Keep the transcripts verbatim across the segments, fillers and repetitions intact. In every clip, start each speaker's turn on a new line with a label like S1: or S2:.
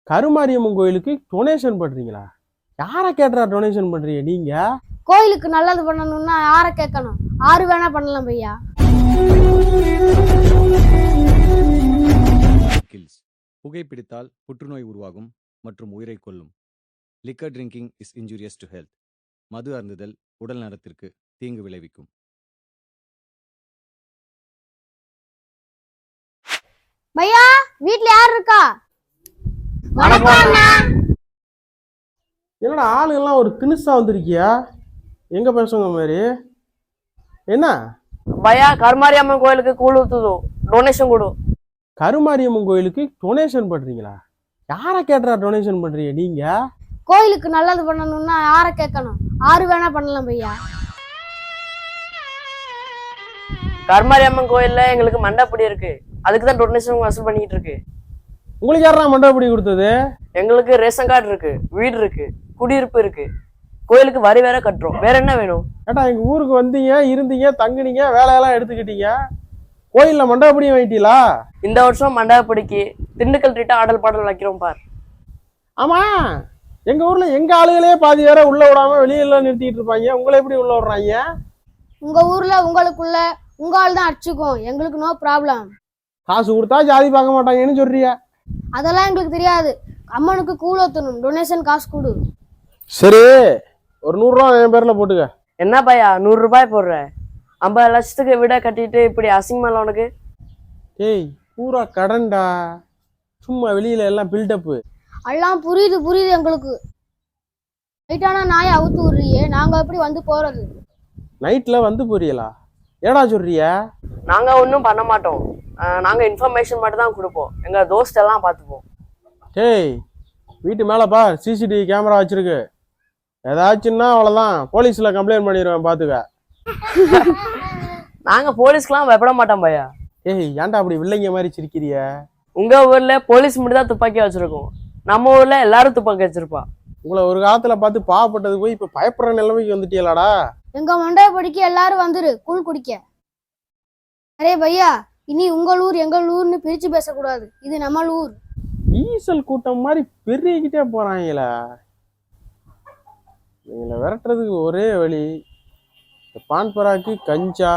S1: கருமாரியம்மன் கோயிலுக்கு டொனேஷன் பண்றீங்களா? யாரை கேட்டுறா டொனேஷன் பண்றீங்க நீங்க?
S2: கோயிலுக்கு நல்லது பண்ணணும்னா யாரை கேட்கணும்? ஆறு வேணா பண்ணலாம் பையா.
S3: கில்ஸ் புகைப்பிடித்தால் புற்றுநோய் உருவாகும் மற்றும் உயிரை கொல்லும். Liquor drinking is injurious to health. மது அருந்துதல் உடல் நலத்திற்கு தீங்கு விளைவிக்கும்.
S2: பையா வீட்ல யார் இருக்கா?
S1: என்னடா ஆளுங்கெல்லாம் ஒரு திணுசா வந்திருக்கியா? எங்க பேசுங்க மாதிரி என்ன?
S4: பையா கருமாரியம்மன் கோயிலுக்கு கூழ் ஊத்துதோ, டொனேஷன் கொடு.
S1: கருமாரியம்மன் கோயிலுக்கு டொனேஷன் பண்றீங்களா? யாரை கேட்டுறா டொனேஷன் பண்றீங்க நீங்க?
S2: கோயிலுக்கு நல்லது பண்ணணும்னா யாரை கேட்கணும்? ஆறு வேணா பண்ணலாம் பையா.
S4: கருமாரியம்மன் கோயில்ல எங்களுக்கு மண்டபடி இருக்கு, அதுக்கு தான் டொனேஷன் வசூல் பண்ணிட்டு இருக்கு.
S1: உங்களுக்கு யாரா மண்டபடி கொடுத்தது?
S4: எங்களுக்கு ரேஷன் கார்டு இருக்கு, வீடு இருக்கு, குடியிருப்பு இருக்கு, கோயிலுக்கு வரி வேற கட்டுறோம். வேற என்ன வேணும்?
S1: ஏட்டா எங்க ஊருக்கு வந்தீங்க, இருந்தீங்க, தங்குனீங்க, வேலையெல்லாம் எடுத்துக்கிட்டீங்க, கோயில்ல மண்டபடியும் வாங்கிட்டீங்களா?
S4: இந்த வருஷம் மண்டபப்படிக்கு திண்டுக்கல் ரீட்டா ஆடல் பாடல் வைக்கிறோம் பார்.
S1: ஆமா, எங்க ஊர்ல எங்க ஆளுகளே பாதி வேற உள்ள விடாம வெளியெல்லாம் நிறுத்திட்டு இருப்பாங்க, உங்களை எப்படி உள்ள விடுறாங்க?
S2: உங்க ஊர்ல உங்களுக்குள்ள உங்க ஆள் தான் அடிச்சுக்கும், எங்களுக்கு நோ ப்ராப்ளம்.
S1: காசு கொடுத்தா ஜாதி பார்க்க மாட்டாங்கன்னு சொல்றிய?
S2: அதெல்லாம் எங்களுக்கு தெரியாது. அம்மனுக்கு கூழ் ஊத்தணும், டொனேஷன் காசு கொடு.
S1: சரி, ஒரு நூறு ரூபா என் பேர்ல போட்டுக்க.
S4: என்ன பையா நூறு ரூபாய் போடுற? ஐம்பது லட்சத்துக்கு விட கட்டிட்டு இப்படி அசிங்கமா உனக்கு?
S1: ஏய் பூரா கடன்டா, சும்மா வெளியில எல்லாம் பில்டப்பு.
S2: எல்லாம் புரியுது புரியுது எங்களுக்கு. நைட்டானா நாயை அவுத்து விடுறியே, நாங்க எப்படி வந்து போறது?
S1: நைட்ல வந்து புரியலா? ஏடா சொல்றிய?
S4: நாங்க ஒன்றும் பண்ண மாட்டோம், நாங்க இன்ஃபர்மேஷன் மட்டும் தான் கொடுப்போம். எங்க தோஸ்ட் எல்லாம் பார்த்துப்போம்.
S1: ஏய் வீட்டு மேல பார், சிசிடிவி கேமரா வச்சிருக்கு, ஏதாச்சுன்னா அவ்வளவுதான், போலீஸ்ல கம்ப்ளைண்ட் பண்ணிடுவேன் பாத்துக்க.
S4: நாங்க போலீஸ்க்குலாம் பயப்பட மாட்டோம் பையா.
S1: ஏய் ஏன்டா அப்படி வில்லைங்க மாதிரி சிரிக்கிறிய?
S4: உங்க ஊர்ல போலீஸ் மட்டும் தான் துப்பாக்கி வச்சிருக்கோம், நம்ம ஊர்ல எல்லாரும் துப்பாக்கி வச்சிருப்பா.
S1: உங்களை ஒரு காலத்துல பார்த்து பாவப்பட்டது போய் இப்ப பயப்படுற நிலைமைக்கு வந்துட்டீங்களாடா?
S2: எங்க மண்டபடிக்கு எல்லாரும் வந்துரு கூழ் குடிக்க. அரே பையா, இனி உங்கள் ஊர் எங்கள் ஊர்னு பிரிச்சு பேசக்கூடாது, இது நம்ம ஊர்.
S1: ஈசல் கூட்டம் மாதிரி பெருகிக்கிட்டே போறாங்களா? இவங்களை விரட்டுறதுக்கு ஒரே வழி, பான் பராக்கு, கஞ்சா,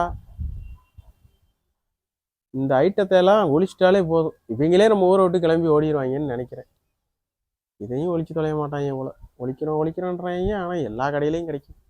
S1: இந்த ஐட்டத்தை எல்லாம் ஒழிச்சிட்டாலே போதும். இவங்களே நம்ம ஊரை விட்டு கிளம்பி ஓடிடுவாங்கன்னு நினைக்கிறேன். இதையும் ஒழிச்சு தொலைய மாட்டாங்க போல. ஒழிக்கிறோம் ஒழிக்கிறோன்றாங்க, ஆனா எல்லா கடையிலையும் கிடைக்கும்.